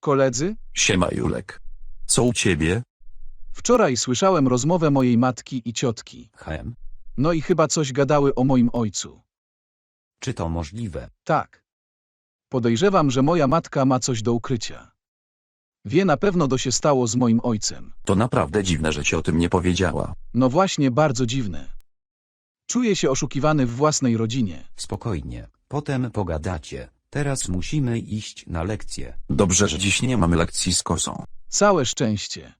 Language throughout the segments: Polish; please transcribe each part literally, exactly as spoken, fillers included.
Koledzy, Siema Julek. Co u ciebie? wczoraj słyszałem rozmowę mojej matki i ciotki. Hem, No i chyba coś gadały o moim ojcu. czy to możliwe? Tak. Podejrzewam, że moja matka ma coś do ukrycia. Wie na pewno, co się stało z moim ojcem. To naprawdę dziwne, że ci o tym nie powiedziała. No właśnie, bardzo dziwne. Czuję się oszukiwany w własnej rodzinie. Spokojnie, potem pogadacie. Teraz musimy iść na lekcję. Dobrze, że dziś nie mamy lekcji z kosą. Całe szczęście.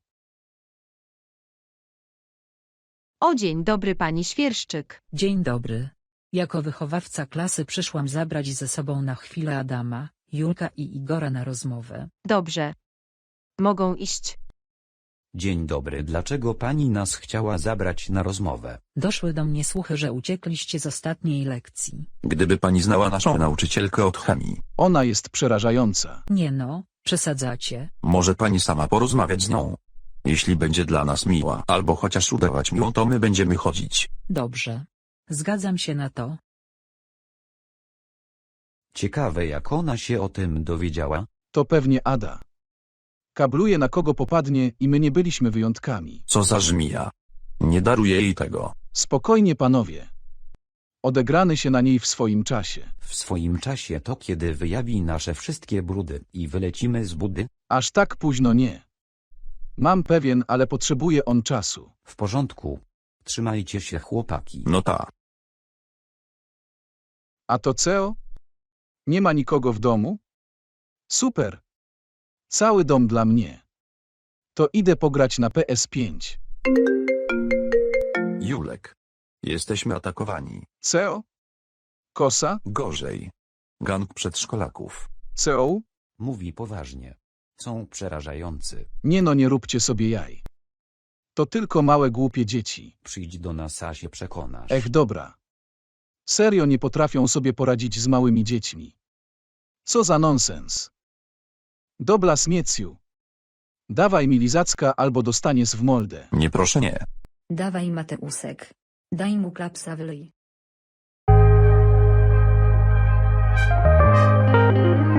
O, dzień dobry pani Świerszczyk. Dzień dobry. Jako wychowawca klasy przyszłam zabrać ze sobą na chwilę Adama, Julka i Igora na rozmowę. Dobrze. Mogą iść. Dzień dobry, dlaczego pani nas chciała zabrać na rozmowę? Doszły do mnie słuchy, że uciekliście z ostatniej lekcji. Gdyby pani znała naszą nauczycielkę od chemii, Ona jest przerażająca. Nie no, przesadzacie. może pani sama porozmawiać z nią. Jeśli będzie dla nas miła, albo chociaż udawać miłą, to my będziemy chodzić. Dobrze. Zgadzam się na to. Ciekawe, jak ona się o tym dowiedziała. To pewnie Ada. Kabluje, na kogo popadnie, i my nie byliśmy wyjątkami. Co za żmija. Nie daruję jej tego. Spokojnie, panowie. Odegrany się na niej w swoim czasie. W swoim czasie to kiedy wyjawi nasze wszystkie brudy i wylecimy z budy? Aż tak późno nie. Mam pewien, ale potrzebuje on czasu. W porządku. Trzymajcie się, chłopaki. No ta. A to co? Nie ma nikogo w domu? Super. Cały dom dla mnie. To idę pograć na P S pięć. Julek. Jesteśmy atakowani. Co? Kosa? Gorzej. Gang przedszkolaków. Co? Mówi poważnie. Są przerażający. Nie no, nie róbcie sobie jaj. To tylko małe głupie dzieci. Przyjdź do nas, a się przekonasz. Ech, dobra. Serio nie potrafią sobie poradzić z małymi dziećmi. Co za nonsens. Dobra, Smieciu. Dawaj mi lizacka, albo dostaniesz w moldę. Nie, proszę nie. Dawaj Mateusek. Daj mu klapsa w ryj.